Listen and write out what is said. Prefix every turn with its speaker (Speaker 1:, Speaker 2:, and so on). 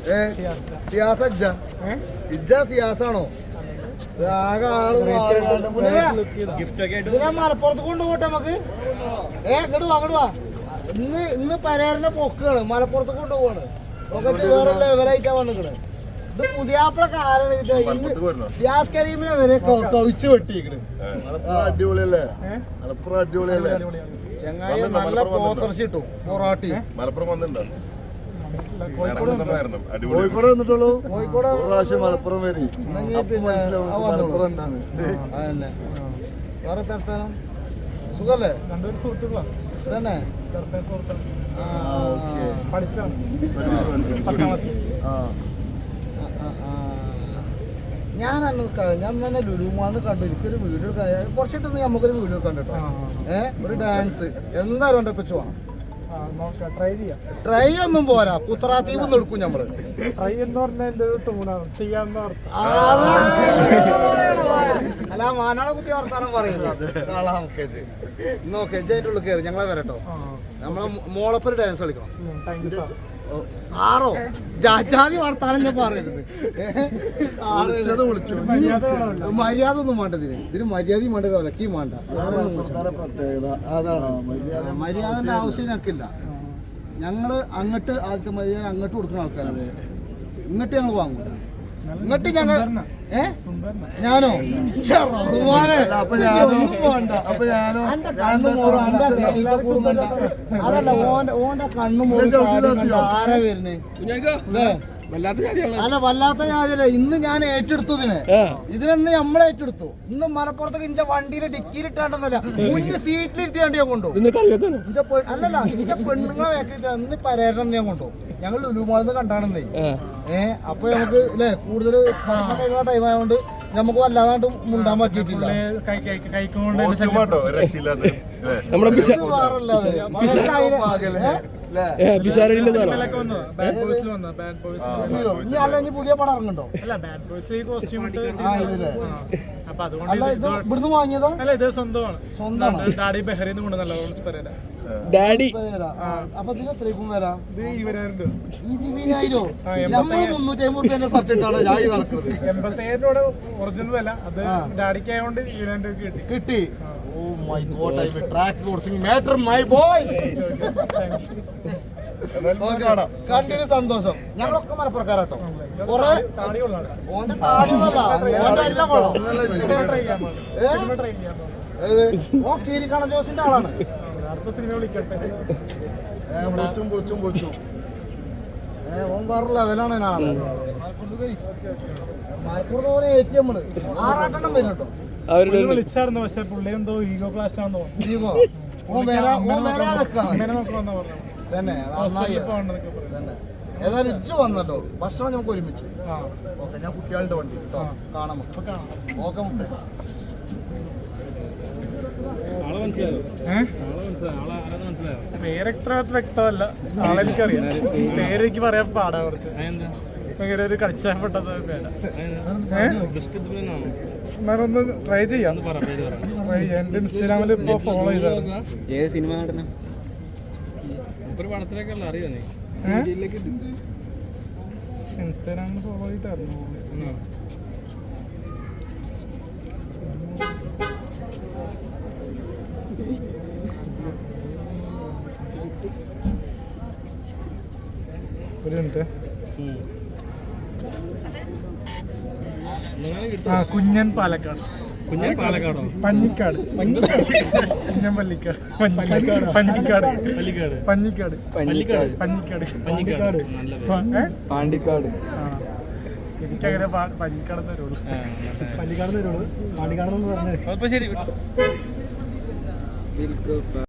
Speaker 1: സിയാസ ഇജ്ജ സിയാസാണോ? ആകെ ആള് മലപ്പുറത്ത് കൊണ്ടുപോട്ടെ നമുക്ക്. ഇങ്ങോട്ട് വാ. ഇന്ന് പരേരന്റെ പൊക്കാണ്, മലപ്പുറത്ത് കൊണ്ടുപോവാണ്. വേറെ ലെവലായിട്ടാ വന്നിക്കണ്. ഇത് പുതിയാപ്പിള കാരണം ഇന്ന് സിയാസ് കരീമിനെ വരെ കവിച്ചു വെട്ടിക്കണ്.
Speaker 2: അടിപൊളിയല്ലേ?
Speaker 1: ചെങ്ങായി നല്ല പോത്തർച്ചി കിട്ടും. പൊറാട്ടി
Speaker 2: മലപ്പുറം വന്നിട്ടുണ്ടോ?
Speaker 1: കോഴിക്കോട് വന്നിട്ടുള്ളൂ.
Speaker 2: കോഴിക്കോട് പ്രാവശ്യം മലപ്പുറം വരി.
Speaker 1: അതന്നെ. വേറെ തരത്താനം സുഖല്ലേ? തന്നെ ഞാൻ തന്നെ ലുലുമാന്ന് കണ്ടു. എനിക്കൊരു വീഡിയോ കുറച്ചിട്ടൊന്നും നമുക്കൊരു വീഡിയോ കണ്ടിട്ടോ. ഒരു ഡാൻസ് എന്തായാലും എൻ്റെ വെച്ച് വേണം. ട്രൈ ഒന്നും പോരാ, കുത്തറാത്തീവ് എടുക്കും നമ്മള്. അല്ല മാനാളെ കുത്തി വർത്താനം പറയുന്നത്. ഇന്ന് ഓക്കെ അതിന്റെ ഉള്ളിൽ കയറി ഞങ്ങളെ വരട്ടോ. നമ്മളെ മോളപ്പൊരു ഡാൻസ് കളിക്കണം. സാറോ ജാതി വർത്താനം ഞാൻ പറയരുത്. മര്യാദ ഒന്നും വേണ്ട. ഇതിന് മര്യാദയും വേണ്ട, വിലക്കിയും വേണ്ട. അതാണ് മര്യാദന്റെ ആവശ്യം ഞങ്ങൾക്കില്ല. ഞങ്ങള് അങ്ങോട്ട് ആൾക്ക് മര്യാദ അങ്ങോട്ട് കൊടുക്കുന്ന ആൾക്കാരാണ്. ഇങ്ങോട്ട് ഞങ്ങൾ വാങ്ങൂല. ഇങ്ങോട്ട് ഞങ്ങൾ ഞാനോ അതല്ല ഓന്റെ കണ്ണും ആരാ വരുന്നേ? അല്ല വല്ലാത്ത ഞാനല്ലേ. ഇന്ന് ഞാൻ ഏറ്റെടുത്തതിന് ഇതിനെന്ന് നമ്മൾ ഏറ്റെടുത്തു. ഇന്ന് മലപ്പുറത്തേക്ക് ഇഞ്ച വണ്ടിയിൽ ഡിക്കിയിലിട്ടാണ്ടെന്നല്ല, മുന്നിൽ സീറ്റിലിരുത്തിയാണ്ട് ഞാൻ കൊണ്ടു. അല്ലല്ല ഇഞ്ച പെണ്ണുങ്ങളെ വേക്കിട്ട് ഇന്ന് പരേരണം ഞാൻ കൊണ്ടു. ഞങ്ങൾ ലുലുമാളിന്ന് കണ്ടാണെന്നേ. അപ്പൊ നമുക്ക് അല്ലേ കൂടുതൽ ഭക്ഷണം കഴിക്കുന്ന ടൈം ആയതുകൊണ്ട് നമുക്ക് വല്ലാതായിട്ട് മുണ്ടാൻ പറ്റിയിട്ടില്ല. പുതിയ പടം ഇറങ്ങുന്നുണ്ടോ? അല്ല ഇത് ഇവിടുന്ന് വാങ്ങിയതോ? സ്വന്തമാണ്. അപ്പൊ ഇതിന് എത്രയ്ക്കും വരാം? 20,000. നമ്മൾ 350 റുപ്യന്റെ സർട്ട് ഇട്ടാണ് ഞാൻ നടക്കുന്നത്.
Speaker 3: 87 ഒറിജിനൽ വില. അത് ഡാഡിക്കായോണ്ട് 20,000
Speaker 1: കിട്ടി. Oh my God, I will track coursing matter my boy. കണ്ടിന് സന്തോഷം. ഞങ്ങളൊക്കെ മലപ്പുറക്കാരാട്ടോ. കൊറേ ഓന്റെ ഓ കീരിക്കണ ജോസിന്റെ ആളാണ്. ഓൻ വേറെ ലെവലാണ്. ആള് മലപ്പുറത്ത് ഓരോ ATM 6-8 വരുന്നുണ്ടോ?
Speaker 3: വിളിച്ചായിരുന്നു. പക്ഷെ പുള്ളി എന്തോ ഈഗോ ക്ലാസ് ആണോ
Speaker 1: തന്നെ. ഏതായാലും ഇജ്ജ് വന്നല്ലോ. ഭക്ഷണം നമുക്ക് ഒരുമിച്ച്. ഓക്കെ, ഞാൻ കുട്ടികളുടെ വണ്ടി കാണാം. ഓക്കെ മുട്ടേ.
Speaker 3: പേരെത്ര വ്യക്തമല്ല. ആളെനിക്കറിയാം. പേരെനിക്ക് പറയാൻ പാടാ കുറച്ച്. ഭയങ്കര ഒരു കടിച്ചപ്പെട്ടത് പേരാ. എന്നാലൊന്ന് ട്രൈ ചെയ്യാം. എന്റെ ഇൻസ്റ്റാഗ്രാമിൽ ഇപ്പൊ ഫോളോ ചെയ്താണ്.
Speaker 4: ഏത് സിനിമ നടന്ന
Speaker 3: അറിയോ നീ? ഇൻസ്റ്റാഗ്രാമിൽ ഫോളോ ചെയ്തായിരുന്നു. ഒരു മിനിറ്റ്. കുഞ്ഞൻ പാലക്കാട്.
Speaker 4: പാലക്കാടോ?
Speaker 3: പഞ്ഞിക്കാട്. കുഞ്ഞൻ പള്ളിക്കാട്. പഞ്ഞിക്കാട്. പഞ്ഞിക്കാട്.
Speaker 4: പാണ്ടിക്കാട്.
Speaker 3: എനിക്കങ്ങനെ പഞ്ഞിക്കാടെന്ന് വരുള്ളൂ.
Speaker 1: പള്ളിക്കാടെന്ന് വരുള്ളൂ. പാണ്ടിക്കാടെന്ന് പറഞ്ഞത്.
Speaker 4: ശരി.